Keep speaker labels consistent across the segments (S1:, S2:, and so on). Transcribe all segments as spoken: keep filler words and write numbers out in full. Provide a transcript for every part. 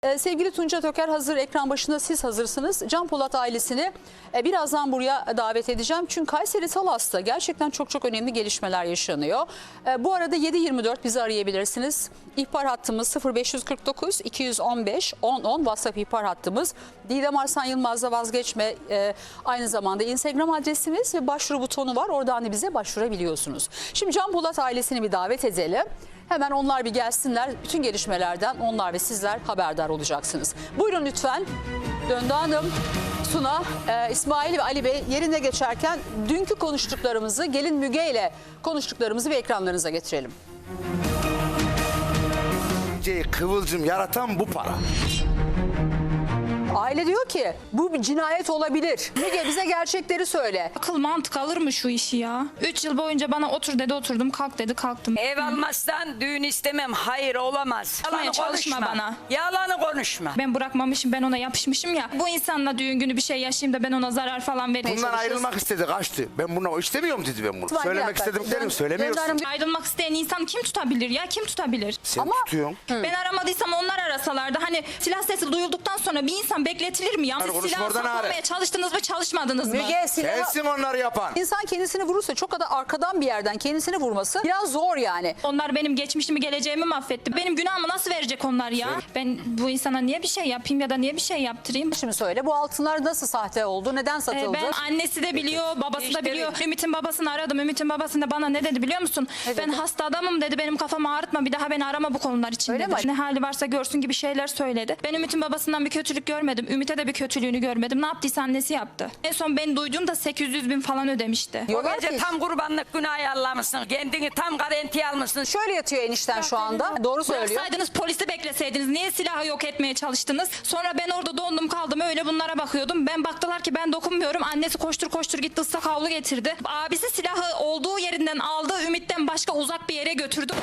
S1: Ee, sevgili Tunca Töker hazır, ekran başında siz hazırsınız. Can Polat ailesini e, birazdan buraya davet edeceğim. Çünkü Kayseri Talas'ta gerçekten çok çok önemli gelişmeler yaşanıyor. E, bu arada yedi yirmi dört bizi arayabilirsiniz. İhbar hattımız sıfır beş kırk dokuz iki yüz on beş on on WhatsApp ihbar hattımız. Didem Arslan Yılmaz'da vazgeçme e, aynı zamanda Instagram adresimiz ve başvuru butonu var. Oradan da bize başvurabiliyorsunuz. Şimdi Can Polat ailesini bir davet edelim. Hemen onlar bir gelsinler. Bütün gelişmelerden onlar ve sizler haberdar olacaksınız. Buyurun lütfen. Döndü Hanım, Suna, e, İsmail ve Ali Bey yerine geçerken dünkü konuştuklarımızı, gelin Müge ile konuştuklarımızı bir ekranlarınıza getirelim.
S2: Kıvılcım yaratan bu para.
S1: Aile diyor ki bu bir cinayet olabilir. Müge bize gerçekleri söyle.
S3: Akıl mantık alır mı şu işi ya? Üç yıl boyunca bana otur dedi oturdum, kalk dedi kalktım.
S4: Ev almazsan düğün istemem. Hayır, olamaz. Yalanı
S3: Çalışma
S4: konuşma
S3: bana.
S4: Yalanı konuşma.
S3: Ben bırakmamışım, ben ona yapışmışım ya. Bu insanla düğün günü bir şey yaşayayım da ben ona zarar falan vermeye
S2: Bundan
S3: çalışıyorsun.
S2: ayrılmak istedi, kaçtı. Ben bunu istemiyorum dedi ben bunu.
S1: İsmail,
S2: Söylemek
S1: bir dakika.
S2: istediklerim
S1: Dön-
S2: söylemiyorsun.
S1: Döndü Hanım,
S3: Ayrılmak isteyen insan kim tutabilir ya? Kim tutabilir?
S2: Sen
S1: Ama-
S2: tutuyorsun.
S3: Ben aramadıysam onlar arasalardı. Hani silah sesi duyulduktan sonra bir insan bekletilir mi ya? Siz
S2: konuşma
S3: silahı
S2: oradan
S3: saklamaya
S2: ağrı.
S3: çalıştınız mı, çalışmadınız mı?
S1: Müge silahı...
S2: Sensin onları yapan.
S1: İnsan kendisini vurursa çok da arkadan bir yerden kendisini vurması biraz zor yani.
S3: Onlar benim geçmişimi, geleceğimi mahvetti. Benim günahımı nasıl verecek onlar ya? Ben bu insana niye bir şey yapayım ya da niye bir şey yaptırayım?
S1: Şimdi söyle, bu altınlar nasıl sahte oldu? Neden
S3: Ee,
S1: satıldı?
S3: Ben annesi de biliyor, babası da
S4: İşte
S3: biliyor.
S4: öyle.
S3: Ümit'in babasını aradım. Ümit'in babası da bana ne dedi biliyor musun?
S1: Ne
S3: Ben
S1: dedi?
S3: hasta adamım dedi. Benim kafamı ağrıtma. Bir daha beni arama bu konular için
S1: Öyle
S3: dedi.
S1: mi?
S3: Ne hali varsa görsün gibi şeyler söyledi. Ben Ümit'in babasından bir kötülük görmedim. Ümit'e de bir kötülüğünü görmedim. Ne yaptıysa annesi yaptı. En son ben duyduğumda sekiz yüz bin falan ödemişti.
S4: O
S1: Diyorlar
S4: gece
S1: ki-
S4: tam kurbanlık günah ayarlamışsın. Kendini tam garantiye almışsın.
S1: Şöyle yatıyor enişten şu anda. Doğru söylüyor.
S3: Bıraksaydınız, polisi bekleseydiniz. Niye silahı yok etmeye çalıştınız? Sonra ben orada dondum kaldım, öyle bunlara bakıyordum. Ben baktılar ki ben dokunmuyorum. Annesi koştur koştur gitti, ıslak havlu getirdi. Abisi silahı olduğu yerinden aldı. Ümit'ten başka uzak bir yere götürdü.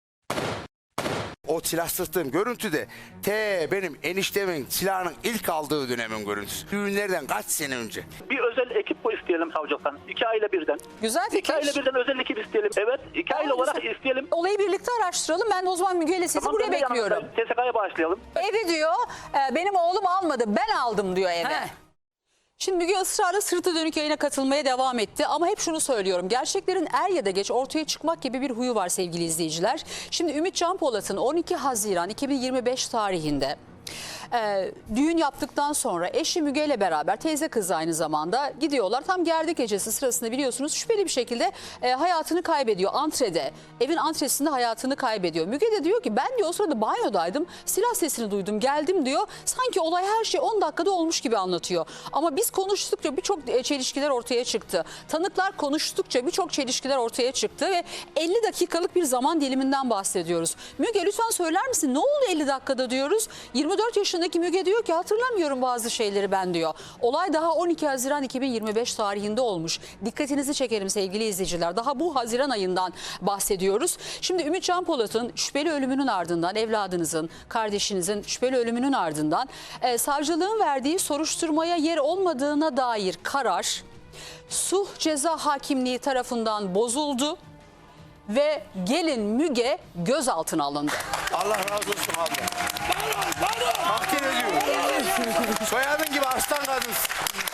S2: O silah sıktığım görüntüde te benim eniştemin silahının ilk aldığı dönemin görüntüsü. Düğünlerden kaç sene önce.
S5: Bir özel ekip polis isteyelim savcılıktan. İki aile birden.
S1: Güzel fikir.
S5: İki aile birden özel ekip isteyelim. Evet, iki aile
S1: Tamam,
S5: olarak
S1: güzel.
S5: isteyelim.
S1: Olayı birlikte araştıralım. Ben de o zaman Müge ile sizi
S5: Tamam,
S1: buraya
S5: ben de yanımda.
S1: bekliyorum.
S5: T S K'ya başlayalım.
S1: Evi diyor e, benim oğlum almadı, ben aldım diyor eve.
S4: He.
S1: Şimdi Müge ısrarla sırtı dönük yayına katılmaya devam etti. Ama hep şunu söylüyorum. Gerçeklerin er ya da geç ortaya çıkmak gibi bir huyu var sevgili izleyiciler. Şimdi Ümit Can Polat'ın on iki Haziran iki bin yirmi beş tarihinde e, düğün yaptıktan sonra eşi Müge ile beraber, teyze kızı aynı zamanda, gidiyorlar. Tam gerdek gecesi sırasında biliyorsunuz şüpheli bir şekilde e, hayatını kaybediyor antrede. Evin antresinde hayatını kaybediyor. Müge de diyor ki ben diyor o sırada banyodaydım, silah sesini duydum, geldim diyor. Sanki olay her şey on dakikada olmuş gibi anlatıyor. Ama biz konuştukça birçok e, çelişkiler ortaya çıktı. Tanıklar konuştukça birçok çelişkiler ortaya çıktı ve elli dakikalık bir zaman diliminden bahsediyoruz. Müge lütfen söyler misin ne oldu elli dakikada diyoruz. yirmi dört yaşındaki Müge diyor ki hatırlamıyorum bazı şeyleri ben diyor. Olay daha on iki Haziran iki bin yirmi beş tarihinde olmuş. Dikkatinizi çekerim sevgili izleyiciler. Daha bu Haziran ayından bahsediyoruz. Şimdi Ümit Can Polat'ın şüpheli ölümünün ardından, evladınızın, kardeşinizin şüpheli ölümünün ardından e, savcılığın verdiği soruşturmaya yer olmadığına dair karar Sulh Ceza Hakimliği tarafından bozuldu ve gelin Müge gözaltına alındı.
S2: Allah razı olsun abla. Takdir ediyorum. Soyadın gibi aslan kadınsın.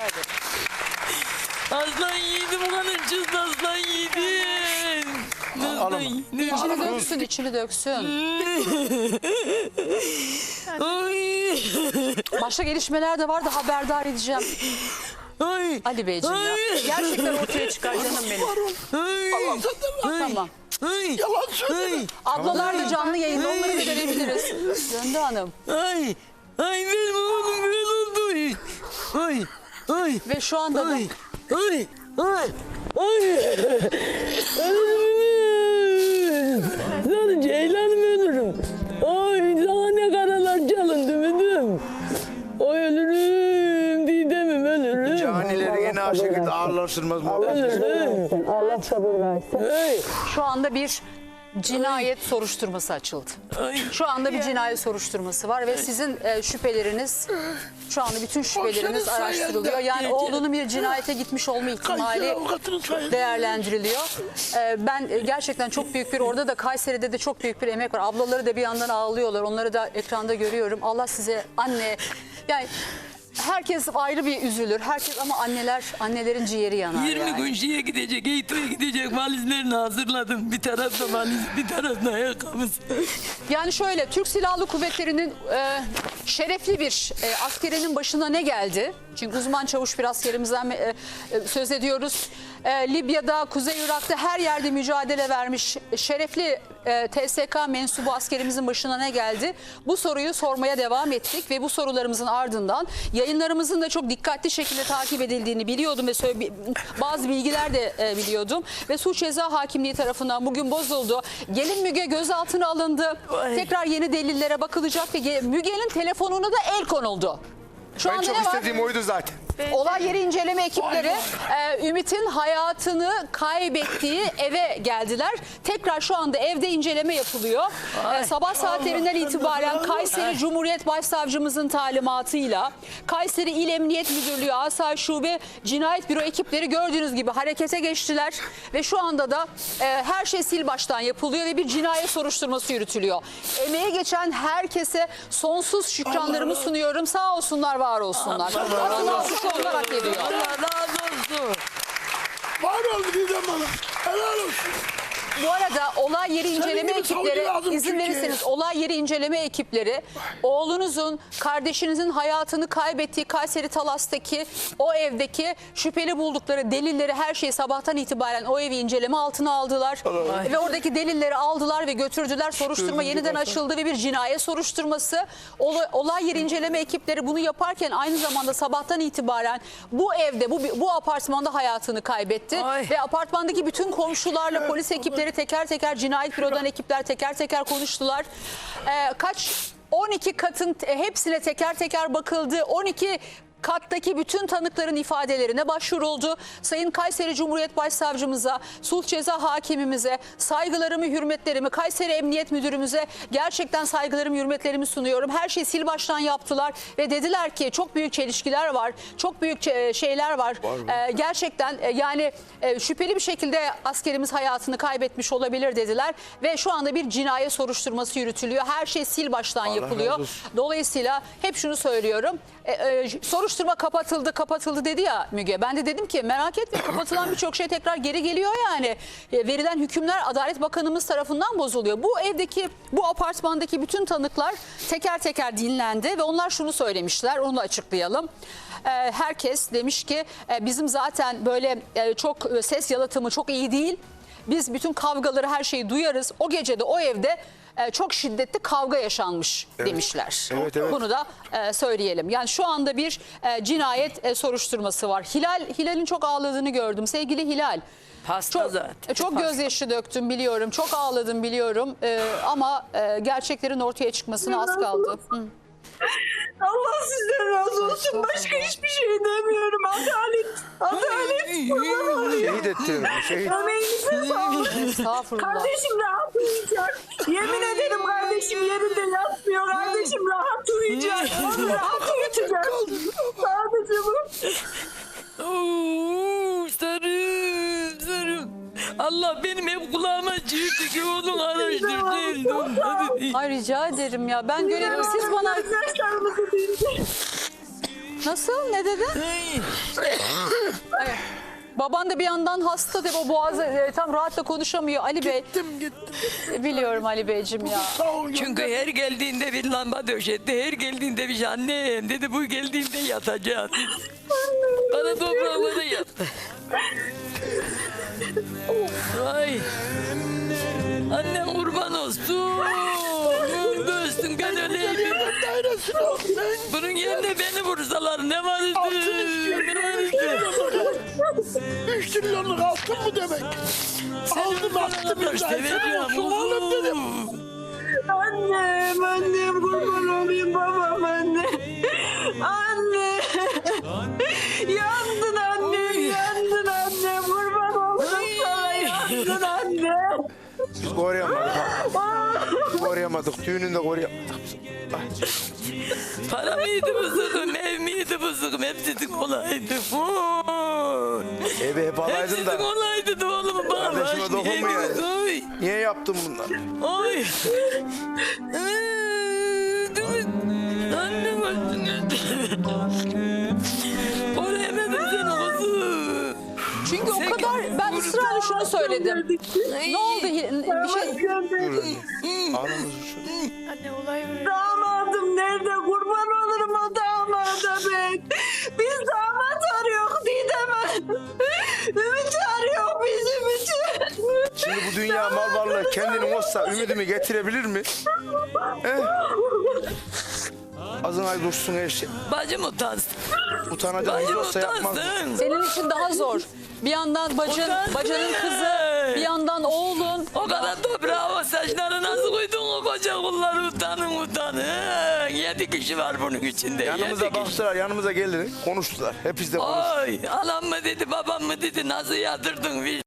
S6: Aslan yiğidim ulanın çöz aslan yiğidim. Aslan yiğidim.
S1: İçini döksün, içini döksün.
S6: Ay.
S1: Başka gelişmeler de var da haberdar edeceğim.
S6: Ay.
S1: Ali Beyciğim ya. Gerçekten ortaya çıkar canım benim.
S6: Ay.
S1: Tamam.
S6: Ay. Yalan söyleme.
S1: Ablalar da canlı yayında, onları da görebiliriz. Döndü Hanım.
S6: Ay. Ay benim oğlum böyle oldu. Ay. Ay.
S1: Ve şu anda da
S6: Ay. Ay. Ay. Ay. Ölürüm. Lan ceylanım ölürüm. Ay sana ne karalar çalındı müdüm. Ay ölürüm. Didemim ölürüm.
S2: Canileri yine o şekilde ağırlaştırmaz mı?
S6: Ölürüm.
S7: Allah sabır versin.
S6: Ay.
S1: şu anda bir cinayet soruşturması açıldı.
S6: Ay.
S1: Şu anda bir cinayet soruşturması var ve sizin e, şüpheleriniz, şu anda bütün şüpheleriniz
S6: senin
S1: araştırılıyor.
S6: sayende.
S1: Yani oğlunun bir cinayete gitmiş olma ihtimali
S6: avukatının sayesinde.
S1: değerlendiriliyor. E, ben e, gerçekten çok büyük bir, orada da Kayseri'de de çok büyük bir emek var. Ablaları da bir yandan ağlıyorlar. Onları da ekranda görüyorum. Allah size, anne, yani herkes ayrı bir üzülür. Herkes, ama anneler, annelerin ciğeri yanar.
S6: yirmi
S1: yani.
S6: gün şeye gidecek, Eğitim'e gidecek valizlerini hazırladım. Bir tarafta valiz, bir tarafta ayakkabısı.
S1: Yani şöyle, Türk Silahlı Kuvvetleri'nin e, şerefli bir e, askerinin başına ne geldi? Çünkü uzman çavuş bir askerimizden e, e, söz ediyoruz. E, Libya'da, Kuzey Irak'ta her yerde mücadele vermiş şerefli e, T S K mensubu askerimizin başına ne geldi? Bu soruyu sormaya devam ettik ve bu sorularımızın ardından yayınlarımızın da çok dikkatli şekilde takip edildiğini biliyordum ve söyle, bazı bilgiler de e, biliyordum. Ve Suç Ceza Hakimliği tarafından bugün bozuldu. Gelin Müge gözaltına alındı.
S6: Ay.
S1: Tekrar yeni delillere bakılacak ve ge- Müge'nin telefonuna da el konuldu. Şu
S2: Ben
S1: anda
S2: çok
S1: ne var?
S2: istediğim oydu zaten.
S1: Olay yeri inceleme ekipleri e, Ümit'in hayatını kaybettiği eve geldiler. Tekrar şu anda evde inceleme yapılıyor. E, sabah saatlerinden itibaren Kayseri Cumhuriyet Başsavcımızın talimatıyla Kayseri İl Emniyet Müdürlüğü Asayiş Şube Cinayet Büro ekipleri gördüğünüz gibi harekete geçtiler. Ve şu anda da e, her şey sil baştan yapılıyor ve bir cinayet soruşturması yürütülüyor. Emeğe geçen herkese sonsuz şükranlarımı sunuyorum. Sağ olsunlar, var olsunlar. Asıl alkışı onlar hak ediyor.
S6: Allah razı olsun.
S7: Var ol Didem Hanım. Helal olsun.
S1: Bu arada olay yeri inceleme
S7: gibi savcı
S1: ekipleri,
S7: lazım
S1: izin
S7: Türkiye'ye.
S1: verirseniz, olay yeri inceleme ekipleri oğlunuzun, kardeşinizin hayatını kaybettiği Kayseri Talas'taki o evdeki şüpheli buldukları delilleri, her şeyi sabahtan itibaren o evi inceleme altına aldılar. Ve oradaki delilleri aldılar ve götürdüler. Soruşturma yeniden açıldı ve bir cinayet soruşturması. Olay, olay yeri inceleme ekipleri bunu yaparken aynı zamanda sabahtan itibaren bu evde, bu, bu apartmanda hayatını kaybetti.
S6: Ay.
S1: Ve apartmandaki bütün komşularla polis ekipleri teker teker, cinayet bürodan ekipler teker teker konuştular. Ee, kaç on iki katın e, hepsine teker teker bakıldı. on iki kattaki bütün tanıkların ifadelerine başvuruldu. Sayın Kayseri Cumhuriyet Başsavcımıza, Sulh Ceza Hakimimize saygılarımı, hürmetlerimi, Kayseri Emniyet Müdürümüze gerçekten saygılarımı, hürmetlerimi sunuyorum. Her şeyi sil baştan yaptılar ve dediler ki çok büyük çelişkiler var, çok büyük e, şeyler var. Ee, gerçekten e, yani e, şüpheli bir şekilde askerimiz hayatını kaybetmiş olabilir dediler ve şu anda bir cinayet soruşturması yürütülüyor. Her şey sil baştan yapılıyor. Dolayısıyla hep şunu söylüyorum. E, e, soruşturma kapatıldı kapatıldı dedi ya Müge. Ben de dedim ki merak etme, kapatılan birçok şey tekrar geri geliyor yani. E, verilen hükümler Adalet Bakanımız tarafından bozuluyor. Bu evdeki, bu apartmandaki bütün tanıklar teker teker dinlendi ve onlar şunu söylemişler, onu açıklayalım. E, herkes demiş ki e, bizim zaten böyle e, çok e, ses yalıtımı çok iyi değil. Biz bütün kavgaları, her şeyi duyarız. O gece de o evde e, çok şiddetli kavga yaşanmış demişler.
S2: Evet, evet.
S1: Bunu da e, söyleyelim. Yani şu anda bir e, cinayet e, soruşturması var. Hilal, Hilal'in çok ağladığını gördüm. Sevgili Hilal.
S6: Hasta
S1: Çok,
S6: zaten.
S1: e, çok gözyaşı döktüm biliyorum. Çok ağladım biliyorum. E, ama e, gerçeklerin ortaya çıkmasına az kaldı. Hı.
S8: Allah sizden razı olsun. Başka hiçbir şey demiyorum. Adalet. Adalet.
S2: Şehit ettin. Şehit.
S8: Emeğinize sağlık.
S1: Estağfurullah.
S8: Kardeşim rahat uyuyacak. Yemin ederim kardeşim yerinde yatmıyor. Kardeşim rahat uyuyacak. Onu rahat uyutacak. Sadece bu.
S6: Oo, sarım sarım. Allah benim hep kulağıma çığırdı ki oğlum araştırsaydım. Hadi.
S1: Ay rica ederim ya. Ben görevim, siz bana...
S8: Arkadaşlarımızı dinle.
S1: Nasıl? Ne dedin? Ay, baban da bir yandan hasta de o boğazı e, tam rahatla konuşamıyor Ali Bey.
S7: Gittim gittim.
S1: E, Biliyorum Ali Beyciğim ya.
S7: Sağ ol.
S6: Çünkü her geldiğinde bir lamba döşetti. Her geldiğinde bir şey, annem dedi bu geldiğinde yatacağız. Bana toprağlara yattı. Vay. Annem kurban olsun. Göğsün ben öleyim.
S7: Dairesine ol.
S6: Bunun yerine beni vursalar ne var idi? Ne var idi?
S7: Üç trilyonluk altın mı demek? Aldım attım
S6: Senin
S7: imzayı. Olsun oğlum dedim.
S8: Annem, annem kurban olayım babam anne. Anne. Yandın annem, yandın annem. Kurban olayım sana, yandın anne.
S2: Koruyamadık. Koruyamadık. Düğününde koruyamadık.
S6: Para mıydı bozukum, ev miydi bozukum, hepsinin olaydı. Oy.
S2: Evi hep alaydın
S6: Hepsinin
S2: da.
S6: olaydı da oğlum bana.
S2: Kardeşime dokunma yani.
S6: Oy.
S2: Niye yaptın bunları?
S6: Oy. Annem öldün. Oraya yemedim seni kızım.
S1: Çünkü o kadar ben ısrarla şunu söyledim. Ne oldu? Bir şey
S2: Anamız şu.
S8: Damadım nerede? Kurban olurum o damada ben. Biz damat arıyoruz Didem. Ümit arıyor biz Ümit'i.
S2: Şimdi bu dünya mal varlığı kendini olsa ümidimi getirebilir mi? Eh? Azın ay dursun her şey.
S6: Bacım utansın.
S2: Utanacağınız
S6: Bacım
S2: olsa yapmaz.
S6: utansın.
S1: senin için daha zor. Bir yandan bacın,
S6: Utansın.
S1: bacanın kızı, bir yandan oğlun.
S6: O kadar toprağa o saçları nasıl koydun o koca kulları utanın utanın. Yedi kişi var bunun içinde.
S2: Yanımıza
S6: yedi kişi.
S2: baktılar, yanımıza geldiler, konuştular. Hepimiz de konuştuk.
S6: Oy anam mı dedi babam mı dedi nasıl yatırdın bir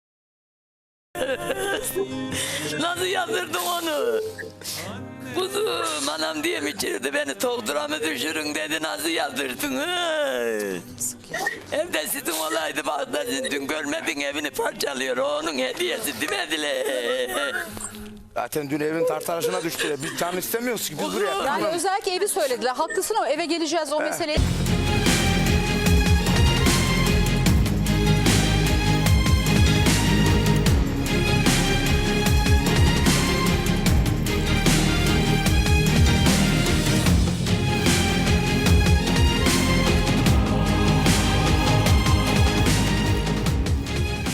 S6: nasıl yatırdın onu? Kuzum anam diye mi içirdi beni toktura mı düşürün dedi nasıl yatırdın? Hey? Evde sizin olaydı bak da dün görmedin evini parçalıyor onun hediyesi demediler.
S2: Zaten dün evin tartarışına düştüler. Biz can istemiyoruz ki biz buraya.
S1: Yani özellikle evi söylediler. Haklısın ama eve geleceğiz o meseleyi.